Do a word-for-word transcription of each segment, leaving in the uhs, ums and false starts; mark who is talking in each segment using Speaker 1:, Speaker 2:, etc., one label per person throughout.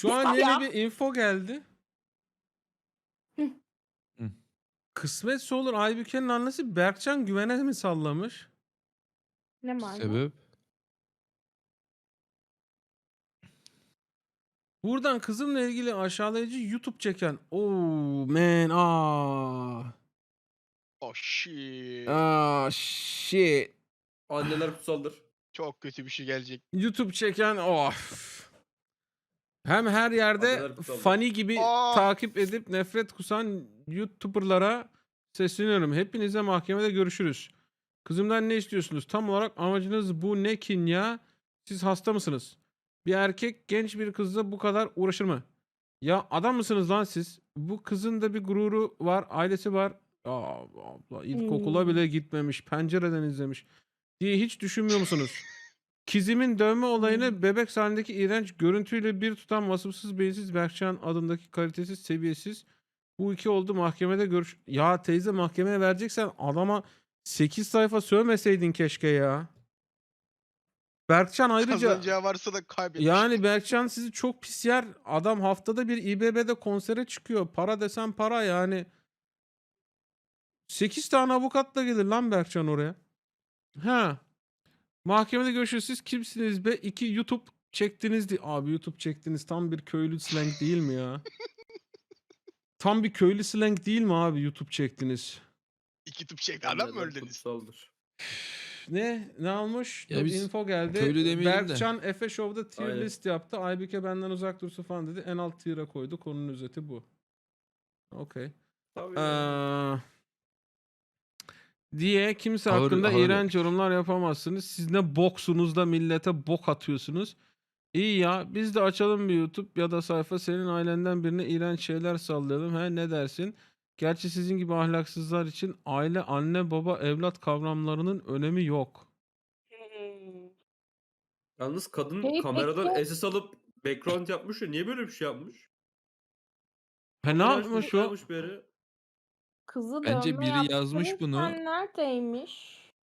Speaker 1: Şu an
Speaker 2: Ya.
Speaker 1: yeni bir info geldi.
Speaker 2: Hıh.
Speaker 3: Hıh.
Speaker 1: Kısmetse olur Aybüke'nin annesi Berkcan Güven'e mi sallamış?
Speaker 2: Ne malum?
Speaker 3: Sebep?
Speaker 1: Buradan kızımla ilgili aşağılayıcı YouTube çeken. Oh man. Ah.
Speaker 4: Oh shit.
Speaker 1: Ah shit.
Speaker 5: Anneler kutsaldır.
Speaker 4: Çok kötü bir şey gelecek.
Speaker 1: YouTube çeken of. Hem her yerde
Speaker 5: Adalar kutsaldır.
Speaker 1: funny gibi
Speaker 4: Aa!
Speaker 1: takip edip nefret kusan YouTuber'lara sesleniyorum. Hepinize mahkemede görüşürüz. Kızımdan ne istiyorsunuz? Tam olarak amacınız bu ne kin ya? Siz hasta mısınız? Bir erkek genç bir kızla bu kadar uğraşır mı? Ya adam mısınız lan siz? Bu kızın da bir gururu var, ailesi var. Aa, abla ilkokula
Speaker 2: Hmm.
Speaker 1: bile gitmemiş, pencereden izlemiş diye hiç düşünmüyor musunuz? Kizimin dövme olayını bebek halindeki iğrenç görüntüyle bir tutan vasıfsız beyinsiz Berkcan adındaki kalitesiz seviyesiz bu iki oldu mahkemede görüş... Ya teyze mahkemeye vereceksen adama sekiz sayfa sövmeseydin keşke ya. Berkcan ayrıca
Speaker 4: Kazanacağı varsa da kaybetmiş.
Speaker 1: yani Berkcan sizi çok pis yer. Adam haftada bir İBB'de konsere çıkıyor. Para desen para yani. sekiz tane avukatla gelir lan Berkcan oraya. Ha. Mahkemede görüşürüz. Siz kimsiniz be? İki YouTube çektiniz di. Abi YouTube çektiniz tam bir köylü slang değil mi ya? Tam bir köylü slang değil mi abi YouTube çektiniz?
Speaker 4: İki tıp çekti. Adam mı
Speaker 5: Anneler
Speaker 4: öldünüz?
Speaker 5: kutsaldır.
Speaker 1: Ne? Ne almış?
Speaker 3: Ya
Speaker 1: Dur,
Speaker 3: biz
Speaker 1: info geldi.
Speaker 3: köylü demeyelim de.
Speaker 1: Berkcan Efe Show'da tier
Speaker 5: Aynen.
Speaker 1: list yaptı. Aybüke benden uzak dursun falan dedi. En alt tier'a koydu. Konunun özeti bu. Okey.
Speaker 5: Tabii.
Speaker 1: Ee, diye kimse
Speaker 3: Ağır-
Speaker 1: hakkında
Speaker 3: ağır
Speaker 1: iğrenç
Speaker 3: yapmış.
Speaker 1: yorumlar yapamazsınız. Siz ne boksunuz da millete bok atıyorsunuz. İyi ya biz de açalım bir YouTube ya da sayfa senin ailenden birine iğrenç şeyler sallayalım. He ne dersin? Gerçi sizin gibi ahlaksızlar için aile, anne, baba, evlat kavramlarının önemi yok.
Speaker 2: Hmm.
Speaker 5: Yalnız kadın
Speaker 2: Peki,
Speaker 5: kameradan
Speaker 2: peki.
Speaker 5: S S alıp background yapmış ya. Niye böyle bir şey yapmış?
Speaker 1: He ne
Speaker 5: Kamera
Speaker 1: yapmış
Speaker 5: açmış,
Speaker 1: o?
Speaker 5: yapmış bir yere.
Speaker 2: Kızı
Speaker 3: Bence
Speaker 2: dövme
Speaker 3: biri yazmış
Speaker 2: yaptırırken
Speaker 3: bunu.
Speaker 2: neredeymiş?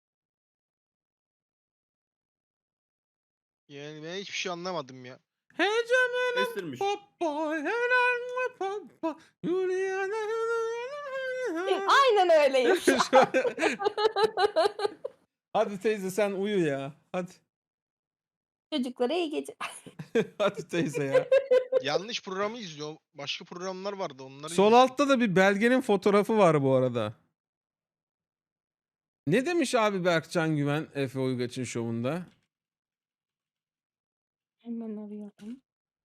Speaker 4: Yani ben hiçbir şey anlamadım ya.
Speaker 1: Heyecanlı
Speaker 5: Estirmiş.
Speaker 1: papa, heyecanlı papa, Juliana.
Speaker 2: Aynen öyleymiş.
Speaker 1: Hadi teyze sen uyu ya. Hadi.
Speaker 2: Çocuklara iyi gece.
Speaker 1: Hadi teyze ya.
Speaker 4: Yanlış programı izliyor. Başka programlar vardı onları
Speaker 1: Sol
Speaker 4: izliyor.
Speaker 1: altta da bir belgenin fotoğrafı var bu arada. Ne demiş abi Berkcan Güven Efe Uygaç'ın şovunda?
Speaker 2: Hemen arıyorum.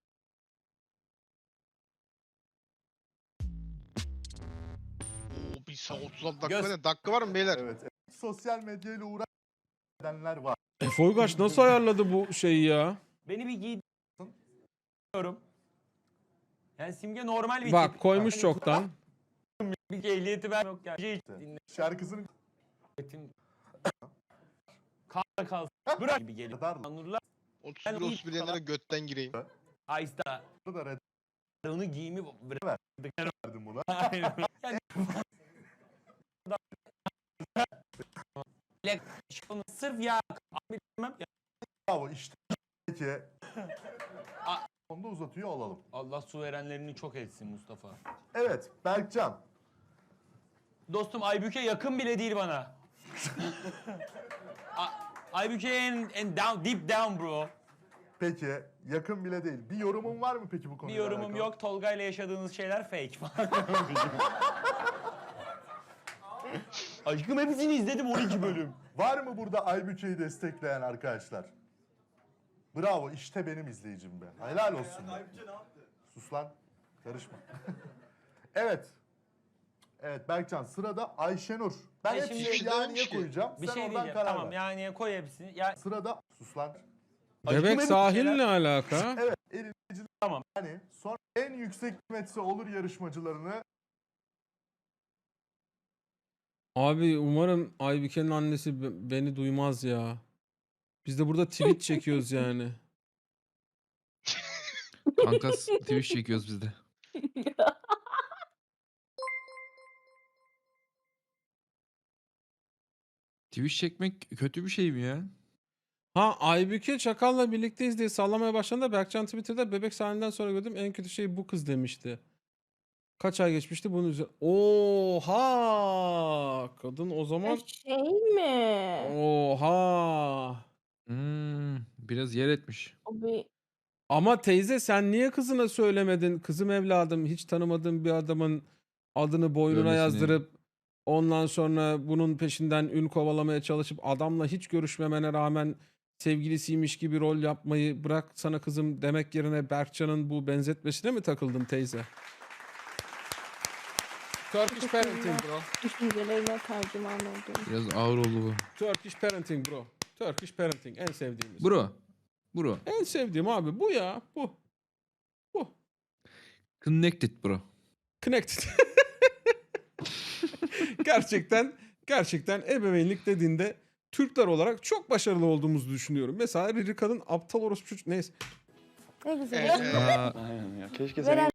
Speaker 4: Oo, bir saat otuz altı dakika
Speaker 6: Göz-
Speaker 4: ne? Dakika var mı beyler?
Speaker 6: Evet, evet. Sosyal medyayla uğraşanlar var.
Speaker 1: Efe Uygaç nasıl ayarladı bu şeyi ya?
Speaker 7: Beni bir giydiriyorum. Yani Simge normal bir
Speaker 1: Bak
Speaker 7: tip.
Speaker 1: koymuş
Speaker 7: Hani
Speaker 1: çoktan.
Speaker 7: bir ehliyeti ben yok yani. Şey dinle.
Speaker 6: Şarkısını
Speaker 7: Etim. Kalk kalsın. Bırak gibi geliyor.
Speaker 6: kadar
Speaker 7: Nurlar
Speaker 4: otuz
Speaker 7: Ben
Speaker 4: bir
Speaker 7: iyi
Speaker 4: otuz bir yenilere götten gireyim.
Speaker 7: Aysta.
Speaker 6: da red
Speaker 7: Onu giyimi bırak.
Speaker 6: verdim buna.
Speaker 7: Aynen. Yani şunu sırf ya bilmem ya.
Speaker 6: Bravo işte. Peki.
Speaker 7: A-
Speaker 6: Onu da uzatıyor olalım.
Speaker 7: Allah su verenlerini çok etsin Mustafa.
Speaker 6: Evet Berkcan.
Speaker 7: Dostum Aybüke yakın bile değil bana. A- Aybüke en, en down, deep down bro.
Speaker 6: Peki yakın bile değil. Bir yorumun var mı peki bu
Speaker 7: Bir
Speaker 6: konuyla
Speaker 7: yorumum
Speaker 6: alakalı?
Speaker 7: yok. Tolga ile yaşadığınız şeyler fake falan. Aşkım hepsini izledim on iki bölüm.
Speaker 6: Var mı burada Aybüke'yi destekleyen arkadaşlar? Bravo işte benim izleyicim be. Helal olsun. be. Sus lan. Karışma. Evet. Evet Berkcan sırada Ayşenur. Ben
Speaker 7: Ya
Speaker 6: hep
Speaker 7: şimdi-
Speaker 6: şimdi
Speaker 4: Hiçbir şey
Speaker 6: yaniye
Speaker 4: dememiş ki.
Speaker 6: koyacağım.
Speaker 7: Bir
Speaker 6: Sen
Speaker 7: şey
Speaker 6: oradan
Speaker 7: diyeceğim.
Speaker 6: karar
Speaker 7: Tamam
Speaker 6: ver.
Speaker 7: yani koy hepsini. Ya
Speaker 6: Sırada sus lan.
Speaker 7: Aşkım
Speaker 1: Bebek
Speaker 7: hepsi
Speaker 1: sahille
Speaker 7: şeyler-
Speaker 1: alaka.
Speaker 6: Evet eliniciler.
Speaker 7: Tamam.
Speaker 6: Yani sonra en yüksek kıymetse olur yarışmacılarını
Speaker 1: Abi umarım Aybüke'nin annesi be- beni duymaz ya. Biz de burada tweet çekiyoruz yani.
Speaker 3: Kankas Twitch çekiyoruz biz de. Twitch çekmek kötü bir şey mi ya?
Speaker 1: Ha Aybüke Çakal'la birlikteyiz diye sallamaya başladığında Berkcan Twitter'da bebek sahneden sonra gördüm en kötü şey bu kız demişti. Kaç ay geçmişti bunun üzerine. Oha! Kadın o
Speaker 2: Ha,
Speaker 1: zaman
Speaker 2: şey mi?
Speaker 1: oha!
Speaker 3: Hmm, biraz yer etmiş.
Speaker 2: O bir
Speaker 1: Ama teyze sen niye kızına söylemedin? Kızım evladım hiç tanımadığım bir adamın adını boynuna
Speaker 3: Dövmesini.
Speaker 1: yazdırıp ondan sonra bunun peşinden ün kovalamaya çalışıp adamla hiç görüşmemene rağmen sevgilisiymiş gibi rol yapmayı bırak sana kızım demek yerine Berkcan'ın bu benzetmesine mi takıldın teyze? Turkish parenting bro.
Speaker 2: düşüncelerine tercüman oldum.
Speaker 3: Biraz ağır oldu bu.
Speaker 1: Turkish parenting bro. Turkish parenting en sevdiğimiz.
Speaker 3: Bro. Bro.
Speaker 1: En sevdiğim abi bu ya. Bu. Bu.
Speaker 3: Connected bro.
Speaker 1: Connected. gerçekten gerçekten ebeveynlik dediğinde Türkler olarak çok başarılı olduğumuzu düşünüyorum. Mesela Ririka'nın aptal orospu çocuk neyse.
Speaker 2: Ne güzel.
Speaker 4: Evet, evet.
Speaker 3: Aa,
Speaker 7: Aynen ya. Keşke
Speaker 2: Veren